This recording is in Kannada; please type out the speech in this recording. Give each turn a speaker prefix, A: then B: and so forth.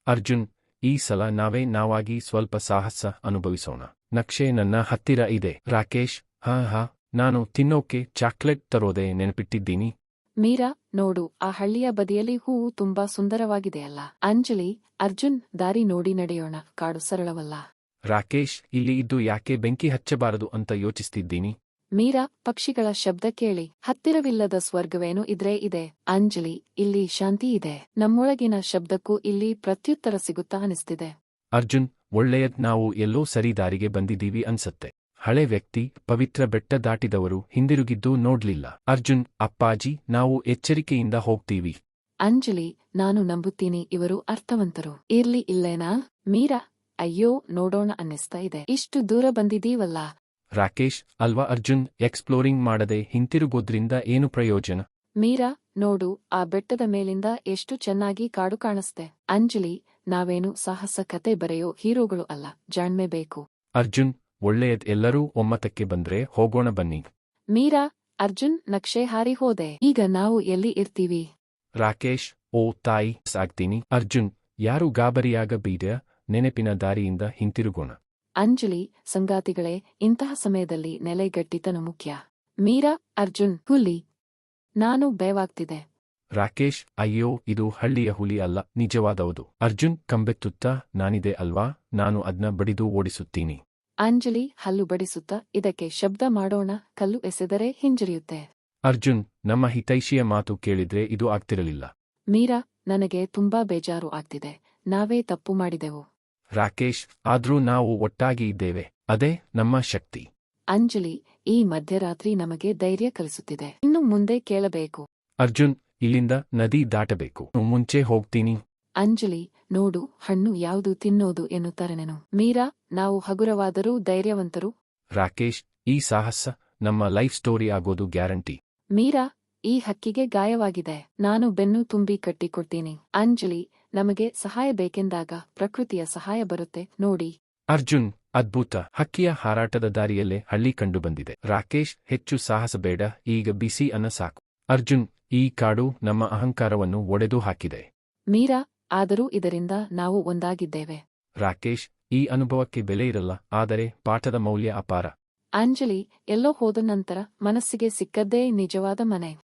A: ಅರ್ಜುನ್, ಈ ಸಲ ನಾವಾಗಿ ಸ್ವಲ್ಪ ಸಾಹಸ ಅನುಭವಿಸೋಣ. ನಕ್ಷೆ ನನ್ನ ಹತ್ತಿರ ಇದೆ. ರಾಕೇಶ್, ಹಾ, ನಾನು ತಿನ್ನೋಕೆ ಚಾಕ್ಲೇಟ್ ತರೋದೆ ನೆನಪಿಟ್ಟಿದ್ದೀನಿ.
B: ಮೀರಾ, ನೋಡು, ಆ ಹಳ್ಳಿಯ ಬದಿಯಲ್ಲಿ ಹೂವು ತುಂಬಾ ಸುಂದರವಾಗಿದೆಯಲ್ಲ. ಅಂಜಲಿ, ಅರ್ಜುನ್, ದಾರಿ ನೋಡಿ ನಡೆಯೋಣ, ಕಾಡು ಸರಳವಲ್ಲ.
A: ರಾಕೇಶ್, ಇಲ್ಲಿ ಇದ್ದು ಯಾಕೆ ಬೆಂಕಿ ಹಚ್ಚಬಾರದು ಅಂತ ಯೋಚಿಸ್ತಿದ್ದೀನಿ.
B: ಮೀರಾ, ಪಕ್ಷಿಗಳ ಶಬ್ದ ಕೇಳಿ. ಹತ್ತಿರವಿಲ್ಲದ ಸ್ವರ್ಗವೇನು ಇದ್ರೆ ಇದೆ. ಅಂಜಲಿ, ಇಲ್ಲಿ ಶಾಂತಿ ಇದೆ. ನಮ್ಮೊಳಗಿನ ಶಬ್ದಕ್ಕೂ ಇಲ್ಲಿ ಪ್ರತ್ಯುತ್ತರ ಸಿಗುತ್ತಾ ಅನಿಸ್ತಿದೆ.
A: ಅರ್ಜುನ್, ಒಳ್ಳೆಯದ್, ನಾವು ಎಲ್ಲೋ ಸರಿ ದಾರಿಗೆ ಬಂದಿದ್ದೀವಿ ಅನ್ಸತ್ತೆ. ಹಳೆ ವ್ಯಕ್ತಿ, ಪವಿತ್ರ ಬೆಟ್ಟ ದಾಟಿದವರು ಹಿಂದಿರುಗಿದ್ದು ನೋಡ್ಲಿಲ್ಲ. ಅರ್ಜುನ್, ಅಪ್ಪಾಜಿ, ನಾವು ಎಚ್ಚರಿಕೆಯಿಂದ ಹೋಗ್ತೀವಿ.
B: ಅಂಜಲಿ, ನಾನು ನಂಬುತ್ತೀನಿ, ಇವರು ಅರ್ಥವಂತರು. ಇರ್ಲಿ ಇಲ್ಲೇನಾ? ಮೀರಾ, ಅಯ್ಯೋ, ನೋಡೋಣ ಅನ್ನಿಸ್ತಾ ಇದೆ. ಇಷ್ಟು ದೂರ ಬಂದಿದೀವಲ್ಲ.
A: ರಾಕೇಶ್, ಅಲ್ವಾ ಅರ್ಜುನ್, ಎಕ್ಸ್ಪ್ಲೋರಿಂಗ್ ಮಾಡದೆ ಹಿಂತಿರುಗೋದ್ರಿಂದ ಏನು ಪ್ರಯೋಜನ?
B: ಮೀರಾ, ನೋಡು, ಆ ಬೆಟ್ಟದ ಮೇಲಿಂದ ಎಷ್ಟು ಚೆನ್ನಾಗಿ ಕಾಡು ಕಾಣಿಸ್ತೆ. ಅಂಜಲಿ, ನಾವೇನು ಸಾಹಸ ಕತೆ ಬರೆಯೋ ಹೀರೋಗಳು ಅಲ್ಲ, ಜಾಣ್ಮೆ ಬೇಕು.
A: ಅರ್ಜುನ್, ಒಳ್ಳೆಯದ್, ಎಲ್ಲರೂ ಒಮ್ಮತಕ್ಕೆ ಬಂದ್ರೆ ಹೋಗೋಣ ಬನ್ನಿ.
B: ಮೀರಾ, ಅರ್ಜುನ್, ನಕ್ಷೆ ಹಾರಿ ಹೋದೆ. ಈಗ ನಾವು ಎಲ್ಲಿ ಇರ್ತೀವಿ?
A: ರಾಕೇಶ್, ಓ ತಾಯಿ, ಸಾಗ್ತೀನಿ. ಅರ್ಜುನ್, ಯಾರು ಗಾಬರಿಯಾಗಬೇಡ, ನೆನಪಿನ ದಾರಿಯಿಂದ ಹಿಂತಿರುಗೋಣ.
B: ಅಂಜಲಿ, ಸಂಗಾತಿಗಳೇ, ಇಂತಹ ಸಮಯದಲ್ಲಿ ನೆಲೆಗಟ್ಟಿತನ ಮುಖ್ಯ. ಮೀರಾ, ಅರ್ಜುನ್, ಹುಲಿ. ನಾನು ಭಯವಾಗ್ತಿದೆ.
A: ರಾಕೇಶ್, ಅಯ್ಯೋ, ಇದು ಹಳ್ಳಿಯ ಹುಲಿ ಅಲ್ಲ, ನಿಜವಾದವುದು. ಅರ್ಜುನ್, ಕಂಬೆತ್ತುತ್ತಾ, ನಾನಿದೆ ಅಲ್ವಾ, ನಾನು ಅದ್ನ ಬಡಿದು ಓಡಿಸುತ್ತೀನಿ.
B: ಅಂಜಲಿ, ಹಲ್ಲು ಬಡಿಸುತ್ತಾ, ಇದಕ್ಕೆ ಶಬ್ದ ಮಾಡೋಣ, ಕಲ್ಲು ಎಸೆದರೆ ಹಿಂಜರಿಯುತ್ತೆ.
A: ಅರ್ಜುನ್, ನಮ್ಮ ಹಿತೈಷಿಯ ಮಾತು ಕೇಳಿದ್ರೆ ಇದು ಆಗ್ತಿರಲಿಲ್ಲ.
B: ಮೀರಾ, ನನಗೆ ತುಂಬಾ ಬೇಜಾರು ಆಗ್ತಿದೆ. ನಾವೇ ತಪ್ಪು ಮಾಡಿದೆವು.
A: ರಾಕೇಶ್, ಆದ್ರೂ ನಾವು ಒಟ್ಟಾಗಿ ಇದ್ದೇವೆ, ಅದೇ ನಮ್ಮ ಶಕ್ತಿ.
B: ಅಂಜಲಿ, ಈ ಮಧ್ಯರಾತ್ರಿ ನಮಗೆ ಧೈರ್ಯ ಕಲಿಸುತ್ತಿದೆ. ಇನ್ನು ಮುಂದೆ ಕೇಳಬೇಕು.
A: ಅರ್ಜುನ್, ಇಲ್ಲಿಂದ ನದಿ ದಾಟಬೇಕು, ಮುಂಚೆ ಹೋಗ್ತೀನಿ.
B: ಅಂಜಲಿ, ನೋಡು, ಹಣ್ಣು ಯಾವುದು ತಿನ್ನೋದು ಎನ್ನುತ್ತಾರೆನೇನು. ಮೀರಾ, ನಾವು ಹಗುರವಾದರೂ ಧೈರ್ಯವಂತರು.
A: ರಾಕೇಶ್, ಈ ಸಾಹಸ ನಮ್ಮ ಲೈಫ್ ಸ್ಟೋರಿ ಆಗೋದು ಗ್ಯಾರಂಟಿ.
B: ಮೀರಾ, ಈ ಹಕ್ಕಿಗೆ ಗಾಯವಾಗಿದೆ, ನಾನು ಬೆನ್ನು ತುಂಬಿ ಕಟ್ಟಿಕೊಡ್ತೀನಿ. ಅಂಜಲಿ, ನಮಗೆ ಸಹಾಯ ಬೇಕೆಂದಾಗ ಪ್ರಕೃತಿಯ ಸಹಾಯ ಬರುತ್ತೆ ನೋಡಿ.
A: ಅರ್ಜುನ್, ಅದ್ಭುತ, ಹಕ್ಕಿಯ ಹಾರಾಟದ ದಾರಿಯಲ್ಲೇ ಹಳ್ಳಿ ಕಂಡುಬಂದಿದೆ. ರಾಕೇಶ್, ಹೆಚ್ಚು ಸಾಹಸ ಬೇಡ, ಈಗ ಬಿಸಿ ಅನ್ನ ಸಾಕು. ಅರ್ಜುನ್, ಈ ಕಾಡು ನಮ್ಮ ಅಹಂಕಾರವನ್ನು ಒಡೆದು ಹಾಕಿದೆ.
B: ಮೀರಾ, ಆದರೂ ಇದರಿಂದ ನಾವು ಒಂದಾಗಿದ್ದೇವೆ.
A: ರಾಕೇಶ್, ಈ ಅನುಭವಕ್ಕೆ ಬೆಲೆ ಇರಲ್ಲ, ಆದರೆ ಪಾಠದ ಮೌಲ್ಯ ಅಪಾರ.
B: ಅಂಜಲಿ, ಎಲ್ಲೋ ಹೋದ ನಂತರ ಮನಸ್ಸಿಗೆ ಸಿಕ್ಕದ್ದೇ ನಿಜವಾದ ಮನೆ.